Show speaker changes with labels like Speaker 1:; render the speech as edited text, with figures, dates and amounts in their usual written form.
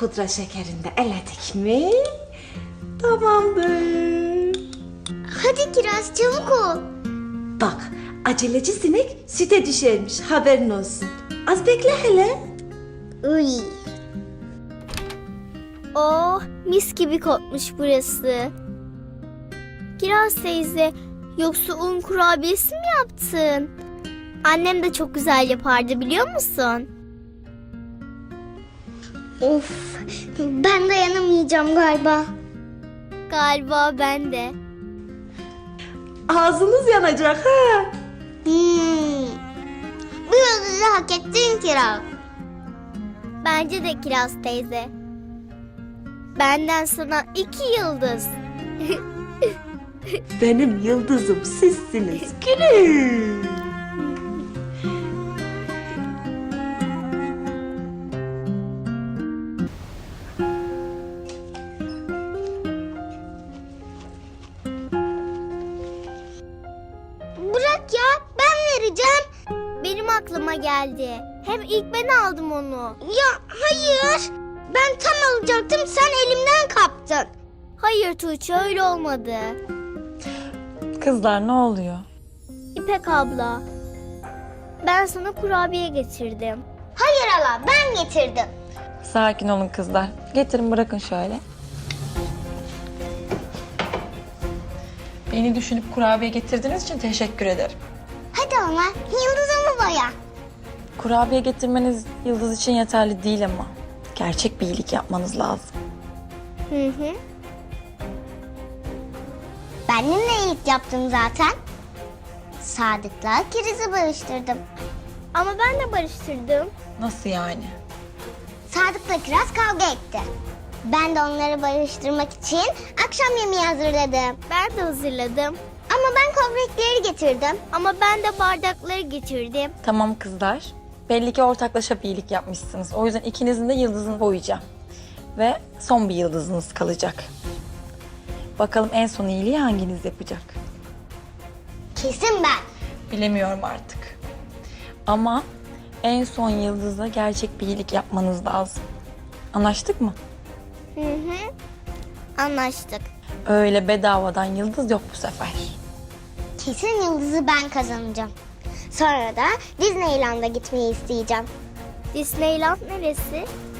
Speaker 1: pudra şekerini de eledik mi? Tamamdır.
Speaker 2: Hadi Kiraz çabuk ol.
Speaker 1: Bak, aceleci sinek süte düşermiş, haberin olsun. Az bekle hele.
Speaker 2: Uy. Oh, mis gibi kokmuş burası. Kiraz teyze, yoksa un kurabiyesi mi yaptın? Annem de çok güzel yapardı, biliyor musun? Of, ben dayanamayacağım galiba. Galiba ben de.
Speaker 1: Ağzınız yanacak ha.
Speaker 2: Bu yıldızı hak ettin Kiraz. Bence de Kiraz teyze. Benden sana 2 yıldız.
Speaker 1: Benim yıldızım sizsiniz. Gülüm.
Speaker 2: Bırak ya, ben vereceğim. Benim aklıma geldi. Hem ilk ben aldım onu. Ya hayır. Ben tam alacaktım, sen elimden kaptın. Hayır Tuğçe, öyle olmadı.
Speaker 3: Kızlar ne oluyor?
Speaker 2: İpek abla, ben sana kurabiye getirdim. Hayır hala, ben getirdim.
Speaker 3: Sakin olun kızlar. Getirin bırakın şöyle. Beni düşünüp kurabiye getirdiğiniz için teşekkür ederim.
Speaker 2: Hadi ama yıldızımı boya.
Speaker 3: Kurabiye getirmeniz yıldız için yeterli değil ama. Gerçek bir iyilik yapmanız lazım.
Speaker 2: Hı. Ben de iyilik yaptım zaten. Sadık'la Kiriz'i barıştırdım. Ama ben de barıştırdım.
Speaker 3: Nasıl yani?
Speaker 2: Sadık'la Kiraz kavga etti. Ben de onları barıştırmak için akşam yemeği hazırladım. Ben de hazırladım. Ama ben kovrekleri getirdim. Ama ben de bardakları getirdim.
Speaker 3: Tamam kızlar. Belli ki ortaklaşa bir iyilik yapmışsınız. O yüzden ikinizin de yıldızını boyayacağım. Ve son bir yıldızınız kalacak. Bakalım en son iyiliği hanginiz yapacak?
Speaker 2: Kesin ben.
Speaker 3: Bilemiyorum artık. Ama en son yıldıza gerçek bir iyilik yapmanız lazım. Anlaştık mı?
Speaker 2: Hı. Anlaştık.
Speaker 3: Öyle bedavadan yıldız yok bu sefer.
Speaker 2: Kesin yıldızı ben kazanacağım. Sonra da Disneyland'a gitmeyi isteyeceğim. Disneyland neresi?